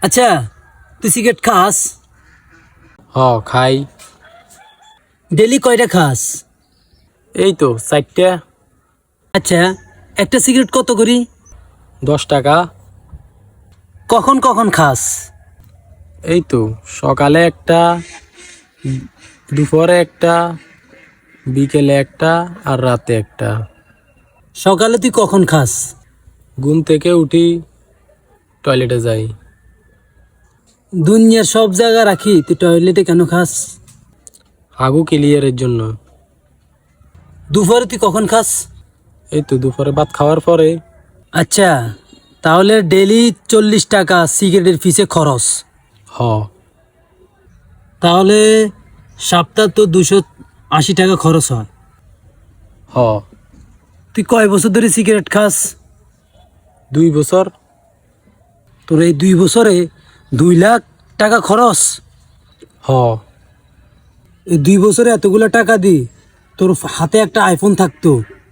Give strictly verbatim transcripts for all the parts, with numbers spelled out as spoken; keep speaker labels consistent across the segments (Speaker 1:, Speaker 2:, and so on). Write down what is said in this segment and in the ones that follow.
Speaker 1: আচ্ছা, তুই সিগারেট খাস?
Speaker 2: হ খাই।
Speaker 1: ডেলি কয়টা খাস?
Speaker 2: এই তো চারটা।
Speaker 1: আচ্ছা, একটা সিগারেট কত করি?
Speaker 2: দশ টাকা।
Speaker 1: কখন কখন খাস?
Speaker 2: এই তো সকালে একটা, দুপুরে একটা, বিকেলে একটা আর রাতে একটা।
Speaker 1: সকালে তুই কখন খাস?
Speaker 2: ঘুম থেকে উঠি, টয়লেটে যাই।
Speaker 1: দুনিয়ার সব জায়গা রাখি তুই টয়লেটে কেন খাস?
Speaker 2: হাগু ক্লিয়ারের জন্য।
Speaker 1: দুপুরে তুই কখন খাস?
Speaker 2: এই তো দুপুরে ভাত খাওয়ার পরে।
Speaker 1: আচ্ছা, তাহলে ডেলি চল্লিশ টাকা সিগারেটের ফিসে খরচ।
Speaker 2: হ।
Speaker 1: তাহলে সপ্তাহ তো দুশো আশি টাকা খরচ হয়।
Speaker 2: হ।
Speaker 1: তুই কয় বছর ধরে সিগারেট খাস?
Speaker 2: দুই বছর।
Speaker 1: তোর এই দুই বছরে দুই লাখ টাকা খরচ?
Speaker 2: হ।
Speaker 1: এই দুই বছরে এতগুলো টাকা দি তোর হাতে একটা আইফোন থাকতো।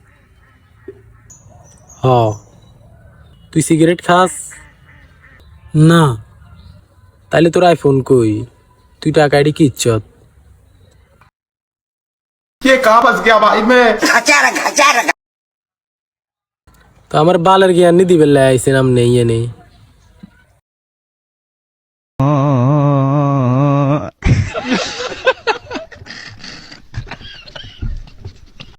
Speaker 2: হ। তুই সিগারেট খাস?
Speaker 1: না।
Speaker 2: তাইলে তোর আইফোন কই? তুই টাকা এডি কি ইচ্ছত?
Speaker 3: ये कहाँ फंस गया भाई मैं।
Speaker 2: তো আমার বালের জ্ঞান নি দিবে আইসেন, আম নেই নেই।